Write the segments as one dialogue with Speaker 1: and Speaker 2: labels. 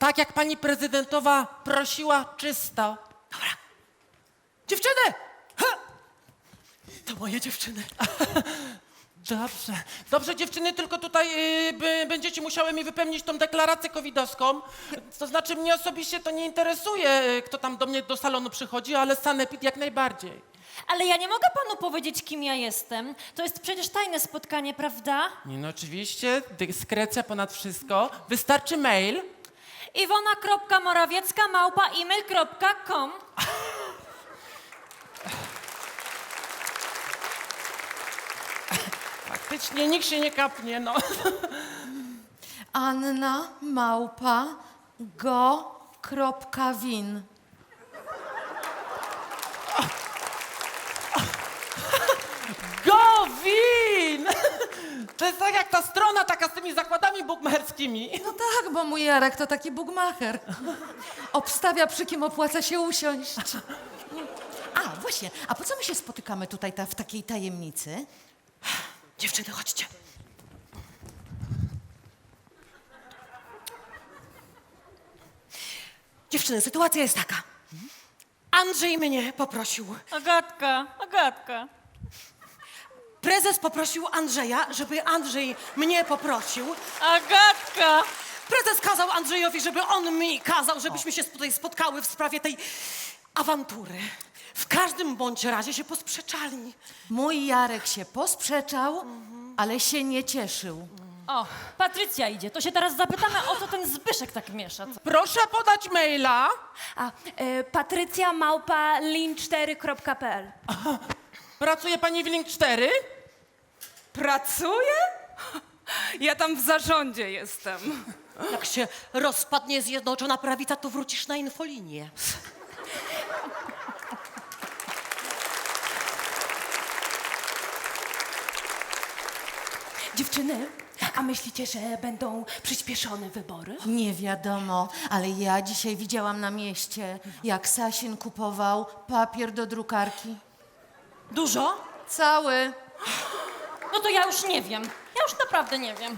Speaker 1: Tak jak pani prezydentowa prosiła, czysto.
Speaker 2: Dobra. Dziewczyny! Ha! To moje dziewczyny.
Speaker 1: Dobrze. Dobrze, dziewczyny, tylko tutaj będziecie musiały mi wypełnić tą deklarację covidowską. To znaczy, mnie osobiście to nie interesuje, kto tam do mnie do salonu przychodzi, ale sanepid jak najbardziej.
Speaker 3: Ale ja nie mogę panu powiedzieć, kim ja jestem. To jest przecież tajne spotkanie, prawda?
Speaker 1: Nie, no oczywiście, dyskrecja ponad wszystko. Wystarczy mail.
Speaker 3: Iwona.morawiecka@email.com.
Speaker 1: Faktycznie nikt się nie kapnie, no.
Speaker 4: Anna.go.win.
Speaker 1: Gowin! To jest tak jak ta strona taka z tymi zakładami bukmacherskimi.
Speaker 4: No tak, bo mój Jarek to taki bugmacher. Obstawia, przy kim opłaca się usiąść. A, właśnie, a po co my się spotykamy tutaj w takiej tajemnicy?
Speaker 2: Dziewczyny, chodźcie. Dziewczyny, sytuacja jest taka. Andrzej mnie poprosił.
Speaker 3: Agatka.
Speaker 2: Prezes poprosił Andrzeja, żeby Andrzej mnie poprosił.
Speaker 3: Agatka!
Speaker 2: Prezes kazał Andrzejowi, żeby on mi kazał, żebyśmy się tutaj spotkały w sprawie tej awantury. W każdym bądź razie się posprzeczali.
Speaker 4: Mój Jarek się posprzeczał, ale się nie cieszył.
Speaker 3: O, Patrycja idzie. To się teraz zapytamy, o co ten Zbyszek tak miesza.
Speaker 1: Proszę podać maila.
Speaker 5: Patrycja@lin4.pl.
Speaker 1: Pracuje pani w Link 4?
Speaker 5: Pracuję? Ja tam w zarządzie jestem.
Speaker 2: Jak się rozpadnie Zjednoczona Prawica, to wrócisz na infolinię.
Speaker 5: Dziewczyny, a myślicie, że będą przyspieszone wybory?
Speaker 4: Nie wiadomo, ale ja dzisiaj widziałam na mieście, jak Sasin kupował papier do drukarki.
Speaker 2: Dużo?
Speaker 4: Cały.
Speaker 3: No to ja już nie wiem. Ja już naprawdę nie wiem.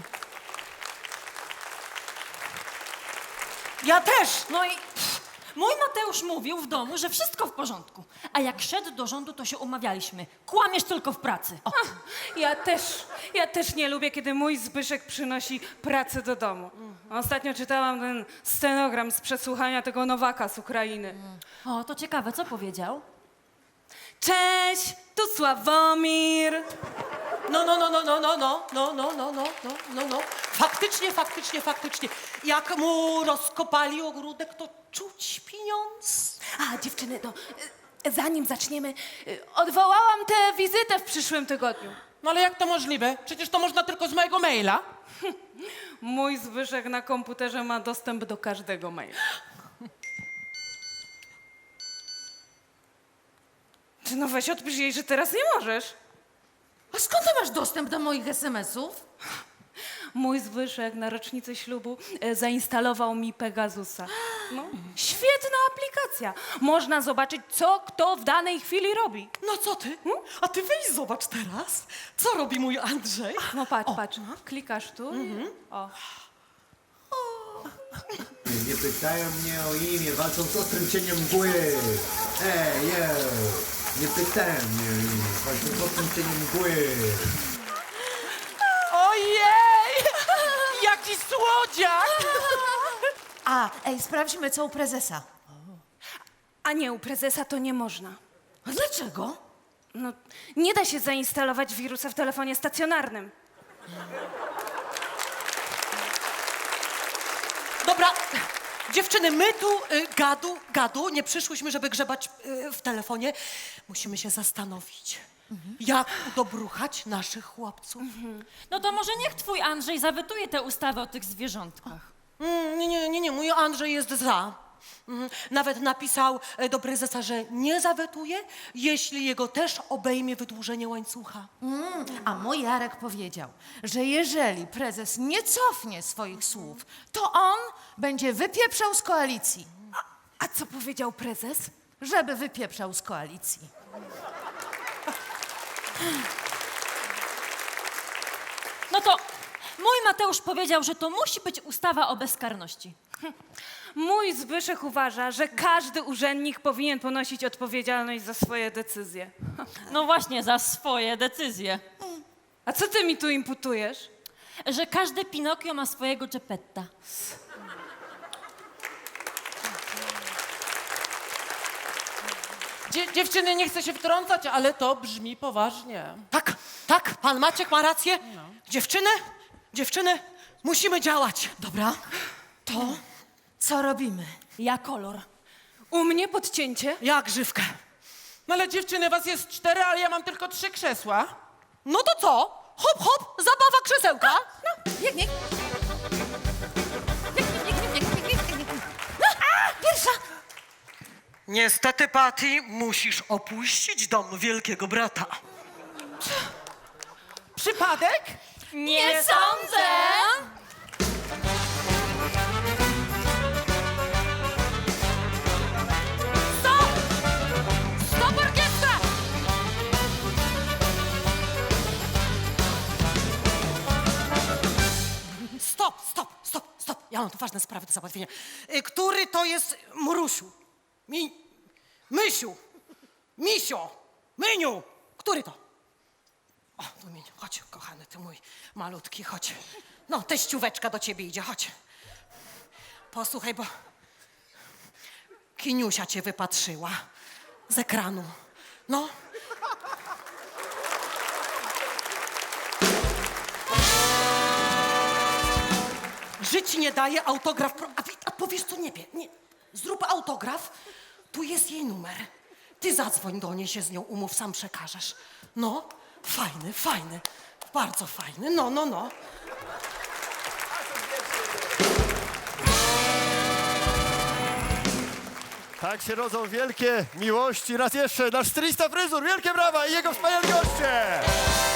Speaker 2: Ja też!
Speaker 3: No i mój Mateusz mówił w domu, że wszystko w porządku. A jak szedł do rządu, to się umawialiśmy. Kłamiesz tylko w pracy. O.
Speaker 5: Ja też nie lubię, kiedy mój Zbyszek przynosi pracę do domu. Ostatnio czytałam ten scenogram z przesłuchania tego Nowaka z Ukrainy.
Speaker 3: O, to ciekawe, co powiedział?
Speaker 5: Cześć, tu Sławomir.
Speaker 2: No. Faktycznie. Jak mu rozkopali ogródek, to czuć pieniądz.
Speaker 5: A dziewczyny, no, zanim zaczniemy, odwołałam tę wizytę w przyszłym tygodniu.
Speaker 1: No ale jak to możliwe? Przecież to można tylko z mojego maila.
Speaker 5: Mój Zbyszek na komputerze ma dostęp do każdego maila. Czy no weź odpisz jej, że teraz nie możesz.
Speaker 4: A skąd ty masz dostęp do moich SMS-ów?
Speaker 5: Mój Zbyszek na rocznicę ślubu zainstalował mi Pegasusa. No, świetna aplikacja. Można zobaczyć, co kto w danej chwili robi.
Speaker 2: No co ty? A ty weź zobacz teraz, co robi mój Andrzej.
Speaker 5: No patrz, klikasz tu. O.
Speaker 6: Nie pytają mnie o imię, walczą z ostrym cieniem mgły. Nie pytają mnie o imię, walczą z ostrym cieniem mgły.
Speaker 1: Ojej! Jaki słodziak!
Speaker 4: Sprawdźmy, co u prezesa.
Speaker 5: A nie, u prezesa to nie można.
Speaker 4: A dlaczego?
Speaker 5: No, nie da się zainstalować wirusa w telefonie stacjonarnym.
Speaker 2: Dobra, dziewczyny, my tu gadu, nie przyszłyśmy, żeby grzebać w telefonie. Musimy się zastanowić, jak udobruchać naszych chłopców.
Speaker 3: No to może niech twój Andrzej zawetuje tę ustawę o tych zwierzątkach.
Speaker 2: Nie, mój Andrzej jest za. Nawet napisał do prezesa, że nie zawetuje, jeśli jego też obejmie wydłużenie łańcucha.
Speaker 4: A mój Jarek powiedział, że jeżeli prezes nie cofnie swoich słów, to on będzie wypieprzał z koalicji.
Speaker 5: A co powiedział prezes?
Speaker 4: Żeby wypieprzał z koalicji.
Speaker 3: No to mój Mateusz powiedział, że to musi być ustawa o bezkarności.
Speaker 5: Mój Zbyszek uważa, że każdy urzędnik powinien ponosić odpowiedzialność za swoje decyzje.
Speaker 3: No właśnie, za swoje decyzje.
Speaker 5: A co ty mi tu imputujesz?
Speaker 3: Że każdy Pinokio ma swojego Geppetta.
Speaker 1: Dziewczyny, nie chcę się wtrącać, ale to brzmi poważnie.
Speaker 2: Tak, tak, pan Maciek ma rację. Dziewczyny, musimy działać.
Speaker 4: Dobra, to co robimy?
Speaker 3: Ja kolor.
Speaker 5: U mnie podcięcie?
Speaker 2: Ja grzywkę.
Speaker 1: No ale dziewczyny, was jest 4, ale ja mam tylko 3 krzesła.
Speaker 2: No to co? Hop, hop, zabawa krzesełka.
Speaker 4: Biegnie. Pierwsza.
Speaker 2: Niestety, Patty, musisz opuścić dom wielkiego brata.
Speaker 1: Przypadek?
Speaker 3: Nie sądzę!
Speaker 2: Stop orkiestra! Stop. Ja mam tu ważne sprawy do załatwienia. Który to jest Mrusiu? Mysiu? Misio? Myniu? Który to? O, tu Miniu, chodź, kochany, ty mój malutki, chodź. No, teścióweczka do ciebie idzie, chodź. Posłuchaj, bo Kiniusia cię wypatrzyła z ekranu. No. Żyć nie daje autograf. A powiesz co, nie. Zrób autograf, tu jest jej numer. Ty zadzwoń do niej, się z nią umów, sam przekażesz. No, fajny, bardzo fajny, no.
Speaker 7: Tak się rodzą wielkie miłości. Raz jeszcze nasz stylista fryzur. Wielkie brawa i jego wspaniali goście!